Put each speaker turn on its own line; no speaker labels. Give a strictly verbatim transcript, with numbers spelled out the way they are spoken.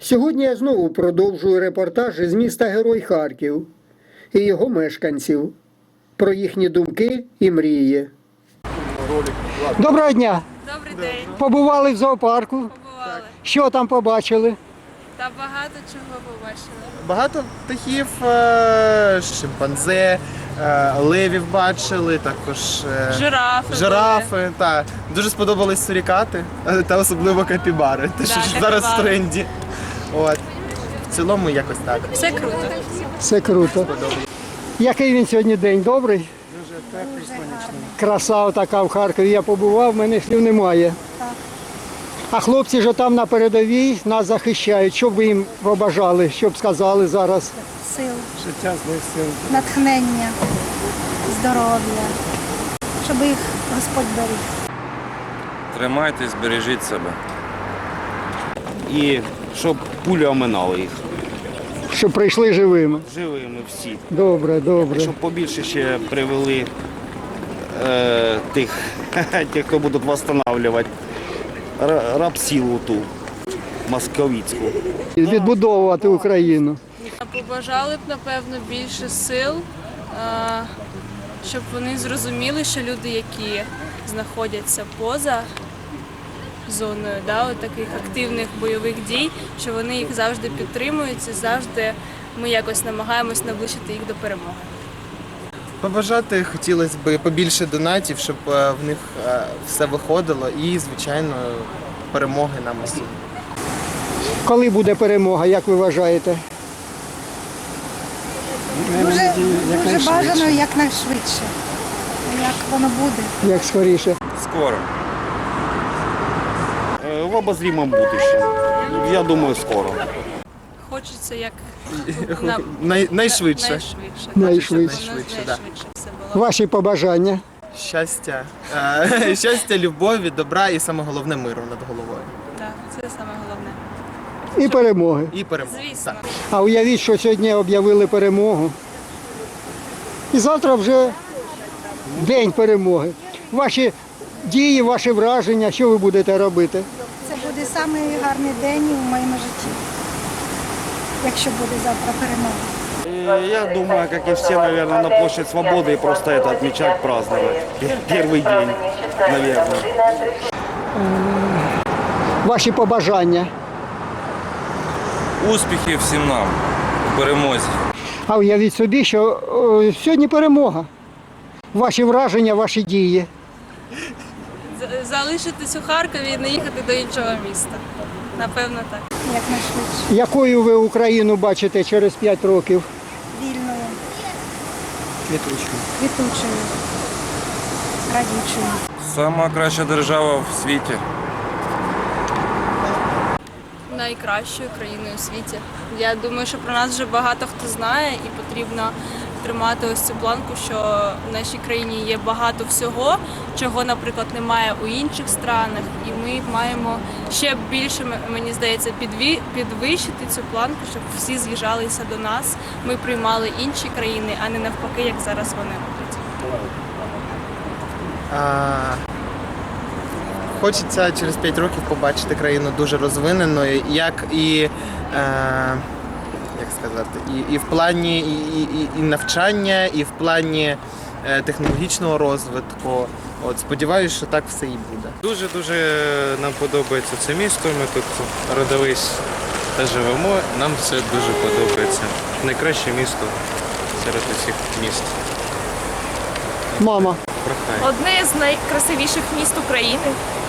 Сьогодні я знову продовжую репортаж із міста Герой Харків і його мешканців про їхні думки і мрії. Доброго дня!
Добрий день.
Побували в зоопарку?
Побували.
Що там побачили?
Та багато чого побачили.
Багато птахів, е, шимпанзе, е, левів бачили, також е,
Жирафи.
жирафи. Та. Дуже сподобались сурікати, е, та особливо капібари, те, що
Да,
ж зараз в
капібари.
тренді. От. В цілому якось так.
Все круто.
Все круто. Який він сьогодні день? Добрий?
Дуже теплий, сонячний.
Краса така в Харкові. Я побував, в мене слів немає. А хлопці ж там на передовій нас захищають. Що б ви їм побажали, що б сказали зараз?
Сил,
Життя з сил.
натхнення, здоров'я, щоб їх Господь беріг.
Тримайтесь, бережіть себе.
І щоб пуля оминала їх.
Щоб прийшли живими.
Живими всі.
Добре, добре.
Щоб побільше ще привели е, тих, тих, хто будуть відновлювати рабсилу ту московицьку.
Відбудовувати Україну.
Побажали б, напевно, більше сил, а, щоб вони зрозуміли, що люди, які знаходяться поза зоною, да, от таких активних бойових дій, що вони їх завжди підтримують і завжди ми якось намагаємось наближити їх до перемоги.
Побажати хотілося б побільше донатів, щоб е, в них е, все виходило і, звичайно, перемоги нам усім.
Коли буде перемога, як ви вважаєте?
Дуже, дуже бажано якнайшвидше. Як воно буде.
Як скоріше?
Скоро.
Е, В обозрімому будущем. Я думаю, скоро.
Хочеться як на...
Най, найшвидше.
найшвидше.
Найшвидше.
Хочеться, щоб
Найшвидше,
воно
да.
найшвидше все було.
Ваші побажання?
Щастя, е, щастя, любові, добра і саме головне миру над головою.
Так, це саме головне.
І перемоги.
І перемоги.
Звісно.
Так.
А уявіть, що сьогодні об'явили перемогу. І завтра вже день перемоги. Ваші дії, ваші враження, що ви будете робити?
Це буде самий гарний день у моєму житті, якщо буде завтра перемога.
Э, Я думаю, как и все, наверное, на площадь Свободы и просто это отмечать, праздновать. Пер- Первый день, наверное.
Ваші побажання.
Успіхів всім нам у перемозі.
А уявіть собі, що о, сьогодні перемога. Ваші враження, ваші дії.
З- Залишитись у Харкові і не їхати до іншого міста. Напевно, так.
Якнайшвидше.
Якою ви Україну бачите через п'ять років?
Вільною,
Квітучки.
квітучою, радючою.
Сама краща держава в світі.
Найкращою країною у світі. Я думаю, що про нас вже багато хто знає і потрібно тримати ось цю планку, що в нашій країні є багато всього, чого, наприклад, немає у інших странах. І ми маємо ще більше, мені здається, підві- підвищити цю планку, щоб всі з'їжджалися до нас. Ми приймали інші країни, а не навпаки, як зараз вони роблять.
А, Хочеться через п'ять років побачити країну дуже розвиненою, як і, е, як сказати, і, і в плані і, і, і навчання, і в плані е, технологічного розвитку. От сподіваюся, що так все і буде.
Дуже-дуже нам подобається це місто, ми тут родились та живемо, нам все дуже подобається. Найкраще місто серед усіх міст.
Мама.
Прохай.
Одне з найкрасивіших міст України.